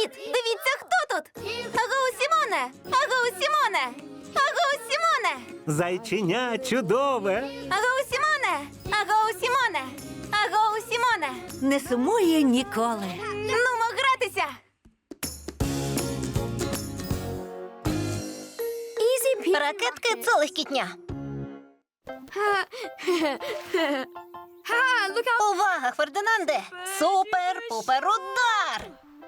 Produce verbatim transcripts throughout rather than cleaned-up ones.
Привіт! Дивіться, хто тут! Агоу, Сімоне! Агоу, Сімоне! Агоу, Сімоне! Зайченя чудове. Агоу, Сімоне! Агоу, Сімоне! Агоу, Сімоне! Не сумує ніколи. Нумо гратися! Ракетки – це легкітня. Увага, Фердинанде! Супер-пупер удар!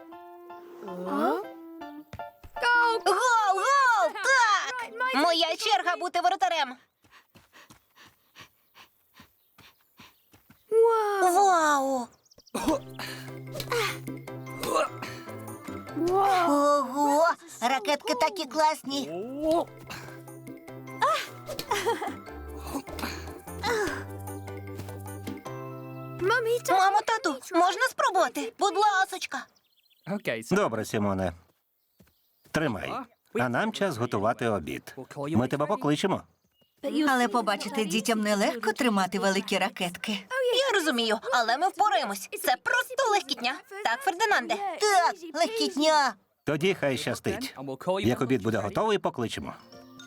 Гол, гол! Так! Моя черга бути воротарем. Вау! Ого, ракетки такі класні. Мамо, тату, можна спробувати? Будь ласочка. Добре, Сімоне. Тримай. А нам час готувати обід. Ми тебе покличемо. Але побачите, дітям нелегко тримати великі ракетки. Я розумію, але ми впораємось. Це просто легкітня. Так, Фердинанде? Так, легкітня. Тоді хай щастить. Як обід буде готовий, покличемо.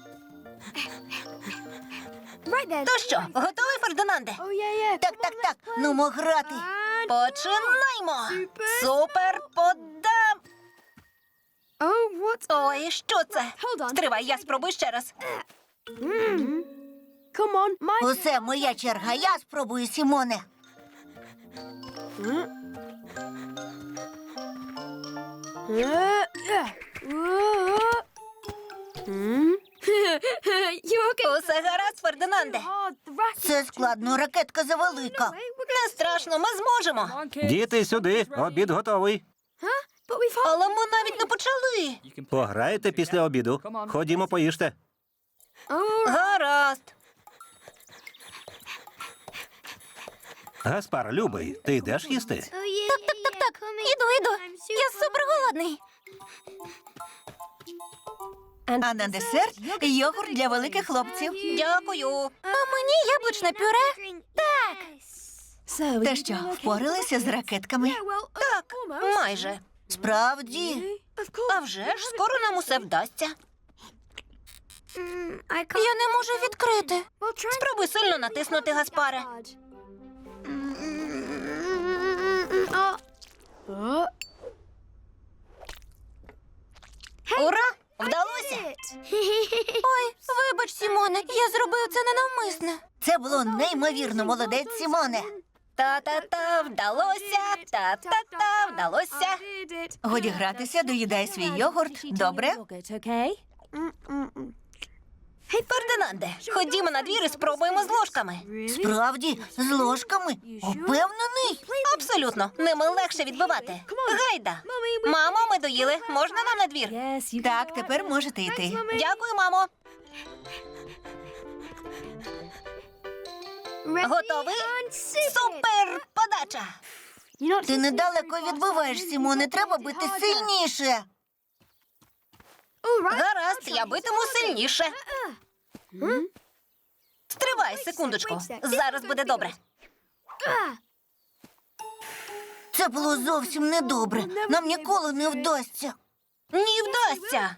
То що, готовий, Фердинанде? Так, так, так, нумо грати. Починаймо! Супер подам! Ой, що це? Стривай, я спробую ще раз. Усе, моя черга, я спробую, Сімоне. Усе гаразд, Фердинанде. Це складно, ракетка завелика. Не страшно, ми зможемо. Діти, сюди. Обід готовий. Але ми навіть не почали. Пограєте після обіду. Ходімо, поїжте. Гаразд. Гаспар, любий, ти йдеш їсти? Так, так, так, так. Іду, іду. Я супер голодний. А на десерт йогурт для великих хлопців. Дякую. А мені яблучне пюре? Так. Та що, впоралися з ракетками? Так, майже. Справді. А вже ж, скоро нам усе вдасться. Я не можу відкрити. Спробуй сильно натиснути, Гаспаре. Ура! Вдалося! Ой, вибач, Сімоне, я зробив це ненавмисне. Це було неймовірно, молодець, Сімоне. Та-та-та, вдалося, та-та-та, вдалося. Годі гратися, доїдай свій йогурт. Добре? Фердинанде, ходімо на двір і спробуємо з ложками. Справді, з ложками? Упевнений? Абсолютно, ними легше відбивати. Гайда. Мамо, ми доїли. Можна нам на двір? Так, тепер можете йти. Дякую, мамо. Готовий? Супер подача. Ти недалеко відбиваєш, Сімоне, треба бити сильніше. Гаразд, я битиму сильніше. Стривай, секундочку. Зараз буде добре. Це було зовсім недобре. Нам ніколи не вдасться. Ні, вдасться.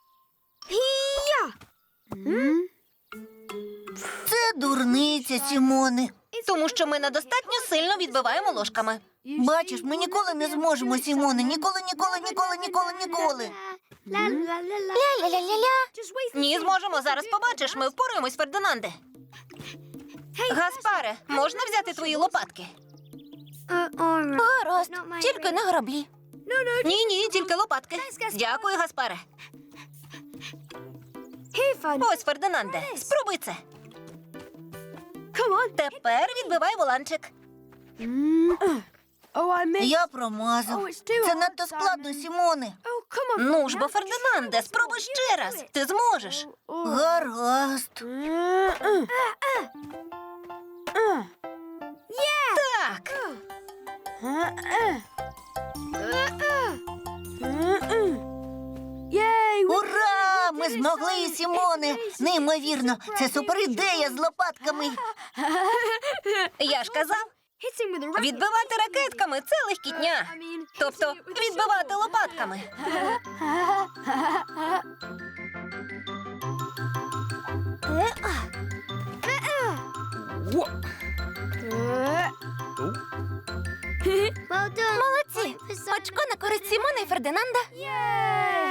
Це дурниця, Сімоне. Тому що ми недостатньо сильно відбиваємо ложками. Бачиш, ми ніколи не зможемо, Сімоне. Ніколи, ніколи, ніколи, ніколи, ніколи. Ля-ля-ля-ля-ля. Ні, зможемо. Зараз побачиш. Ми впораємось, Фердинанде. Гаспаре, можна взяти твої лопатки? Гаразд, тільки не граблі. Ні, ні, тільки лопатки. Дякую, Гаспаре. Ось, Фердинанде, спробуй це. Тепер відбивай воланчик. Я промазав. Це надто складно, Сімоне. Ну ж бо, Фердинанде, спробуй ще раз. Ти зможеш. Гаразд. Так. Ура! Ми змогли, Сімоне. Неймовірно. Це супер ідея з лопатками. Я ж казав, відбивати ракетками – це легкітня. Тобто відбивати лопатками. Молодці! Очко на користь Сімона і Фердинанда.